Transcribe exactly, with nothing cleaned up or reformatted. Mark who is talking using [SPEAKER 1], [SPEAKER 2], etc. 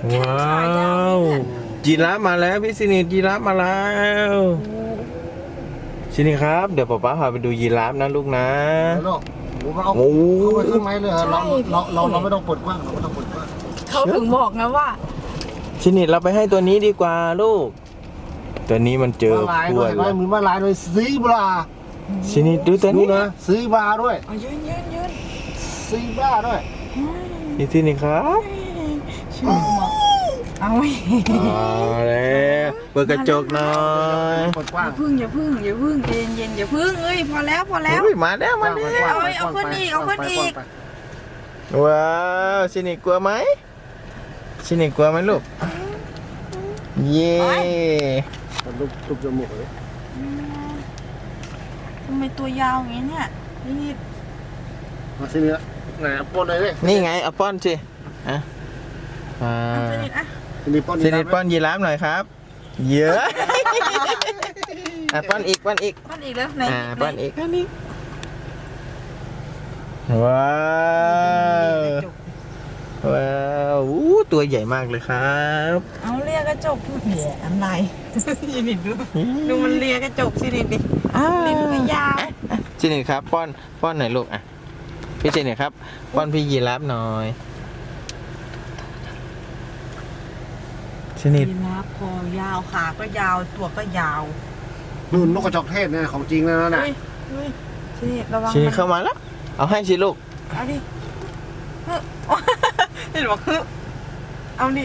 [SPEAKER 1] ว้าวยีราฟมาแล้วพี่สินิดยีราฟมาแล้วสินิครับ เดี๋ยวป๊าป๊าพาไปดูยีราฟนะลูกนะ
[SPEAKER 2] ลูกเราเอาเข้าไปข้างในเลยเราเราเราเราไม่ต้องเปิดกว้างเราไม่ต้องเปิดกว้าง
[SPEAKER 3] เขาถึงบอกนะว่า
[SPEAKER 1] สินิดเราไปให้ตัวนี้ดีกว่าลูกตัวนี้มันเจอขวด
[SPEAKER 2] แล้วมีมาลายด้วยซีบรา
[SPEAKER 1] สินิดดูตัวนี้
[SPEAKER 2] นะซีบราด้วย
[SPEAKER 3] ยืนยืนยืน
[SPEAKER 2] ซีบราด้วย
[SPEAKER 1] นี่สินิดครับ
[SPEAKER 3] เอาไว้
[SPEAKER 1] แล้วเปิดกระจกหน่อย
[SPEAKER 3] อย่าพึ่งอย่าพึ่งอย่าพึ่งเย็นเย็นอย่าพึ่งเอ้ยพอแล้วพอแล้ว
[SPEAKER 1] มาแล้วมาแล้ว
[SPEAKER 3] เอาเอาขึ้นอีกเอาขึ้นอีก
[SPEAKER 1] ว้าวสินิดกลัวไหมสินิดกลัวไหมลูกเย่
[SPEAKER 2] ลูกลูกจมูกเลย
[SPEAKER 3] ทำไมตัวยาวอย่างนี้เนี่ยนี่
[SPEAKER 2] มาสิเนี่ยไหนป้อนเลยดิ
[SPEAKER 1] นี่ไงเอาป้อนสิอ่ะอ่าสินิดป้อนยีราฟหน่อยครับเยอะอ่ะป้อนอีกป้อนอีก
[SPEAKER 3] ป้อนอีกแล้วไหน
[SPEAKER 1] อ่าป้อนอีกป้อนอีกว้าวว้าวอู้ตัวใหญ่มากเลยครับ
[SPEAKER 3] เอาเลียกระจกเหี้ยอะไรสินิดดูดูมันเลียกระจกสินิดดิลิ้นก็ยาว
[SPEAKER 1] สินิดครับป้อนป้อนหน่อยลูกอ่ะพี่สินิดครับป้อนพี่ยีราฟหน่อยสินิด
[SPEAKER 3] ยีราฟคอยาวขาก็ยาวตัวก็ยาว
[SPEAKER 2] นู่นนกกระจอกเทศเนี่ยของจริงแล้วนะ
[SPEAKER 3] สินิดระวัง
[SPEAKER 1] สินิดเข้ามาแล้วเอาให้สิลูก
[SPEAKER 3] เอาดิเห็นบอกคือเอาดิ